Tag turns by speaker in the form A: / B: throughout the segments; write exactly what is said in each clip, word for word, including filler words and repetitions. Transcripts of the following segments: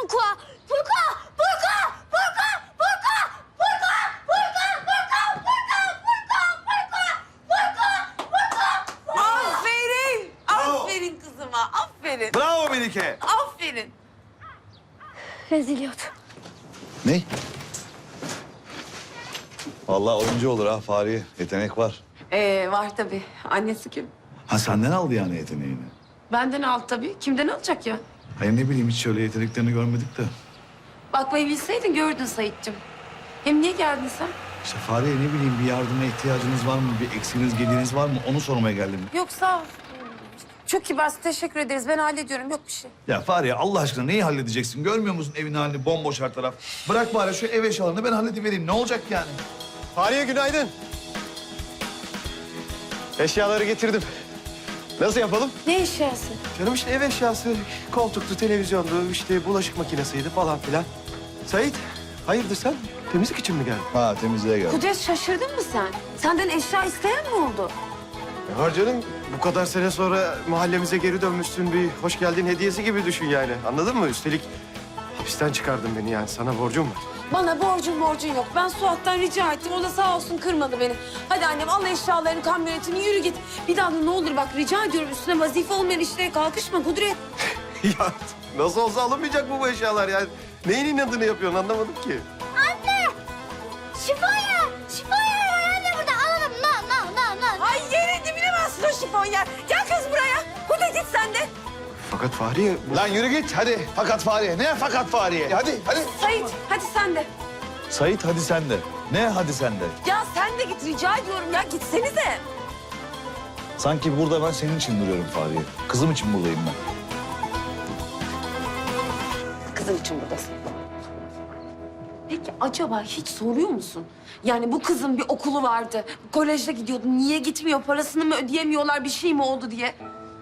A: Furka! Furka! Furka! Furka! Furka! Furka! Furka! Furka! Furka! Furka! Furka! Furka! Furka!
B: Aferin. Aferin kızıma. Aferin.
C: Bravo Melike.
B: Aferin.
A: Reziliyat.
C: Ne? Vallahi oyuncu olur ha Fahriye. Yetenek var.
B: Ee, var tabii. Annesi kim?
C: Ha senden aldı yani yeteneğini.
B: Benden al tabii. Kimden alacak ya?
C: Hayır ne bileyim hiç şöyle yeteneklerini görmedik de.
B: Bakmayı bilseydin gördün Sait'cim. Hem niye geldin sen?
C: İşte Fahriye ne bileyim bir yardıma ihtiyacınız var mı? Bir eksiğiniz gediğiniz var mı? Onu sormaya geldim.
B: Yok sağ ol. Çok kibarsın. Teşekkür ederiz. Ben hallediyorum. Yok bir şey.
C: Ya Fahriye Allah aşkına neyi halledeceksin? Görmüyor musun evin halini bomboş her taraf? Bırak bari şu ev eşyalarını ben halledivereyim. Ne olacak yani?
D: Fahriye günaydın. Eşyaları getirdim. Nasıl yapalım?
B: Ne eşyası?
D: Canım işte ev eşyası, koltuktu, televizyondu, işte bulaşık makinesiydi falan filan. Sait, hayırdır sen? Temizlik için mi geldin?
C: Ha temizliğe gel.
B: Kudret şaşırdın mı sen? Senden eşya isteyen mi oldu?
D: Ne var canım? Bu kadar sene sonra mahallemize geri dönmüşsün, bir hoş geldin hediyesi gibi düşün yani. Anladın mı? Üstelik hapisten çıkardın beni yani. Sana borcum var.
B: Bana borcun borcun yok. Ben Suat'tan rica ettim. O da sağ olsun kırmadı beni. Hadi annem al eşyalarını, kamyonetini yürü git. Bir daha da ne olur bak rica ediyorum üstüne vazife olmayan işlere kalkışma Kudret.
D: Ya nasıl olsa alınmayacak mı bu eşyalar yani? Neyin inadını yapıyorsun anlamadım ki.
A: Anne! Şifonya! Şifonya var anne burada. Alalım. No, no, no, no.
B: Ay yerin dibine bassın o şifonyer. Gel kız buraya. Kudret git sen de.
D: Fakat Fahriye... bu-
C: Lan yürü git hadi. Fakat Fahriye. Ne fakat Fahriye? Hadi hadi.
B: Sait hadi sen de.
C: Sait hadi sen de. Ne hadi sen de?
B: Ya sen de git rica ediyorum ya gitsenize.
C: Sanki burada ben senin için duruyorum Fahriye. Kızım için buradayım ben.
B: Kızın için buradasın. Peki acaba hiç soruyor musun? Yani bu kızın bir okulu vardı. Kolejde gidiyordu. Niye gitmiyor? Parasını mı ödeyemiyorlar? Bir şey mi oldu diye.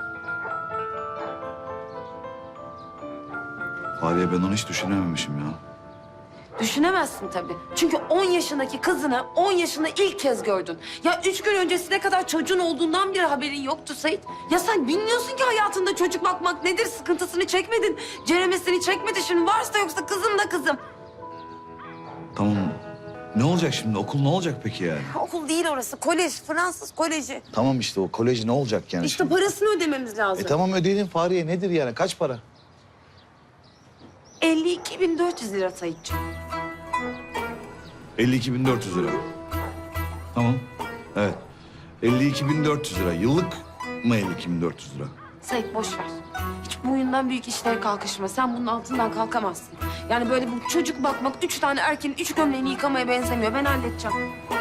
C: Fahriye ben onu hiç düşünememişim ya.
B: Düşünemezsin tabii. Çünkü on yaşındaki kızını on yaşında ilk kez gördün. Ya üç gün öncesine kadar çocuğun olduğundan bile haberin yoktu Sait. Ya sen bilmiyorsun ki hayatında çocuk bakmak nedir? Sıkıntısını çekmedin. Ceremesini çekmedi. Şimdi varsa yoksa kızım da kızım.
C: Tamam. Ne olacak şimdi? Okul ne olacak peki yani?
B: Okul değil orası. Kolej. Fransız koleji.
C: Tamam işte o kolej ne olacak yani
B: İşte
C: şimdi?
B: parasını ödememiz lazım.
C: E tamam ödeyelim Fahriye. Nedir yani? Kaç para?
B: elli iki bin dört yüz lira Sait'ciğim.
C: elli iki bin dört yüz lira. Tamam. Evet. elli iki bin dört yüz lira. Yıllık mı elli iki bin dört yüz lira?
B: Sait boş ver. Hiç boyundan büyük işlere kalkışma. Sen bunun altından kalkamazsın. Yani böyle bu çocuk bakmak üç tane erkeğin üç gömleğini yıkamaya benzemiyor. Ben halledeceğim.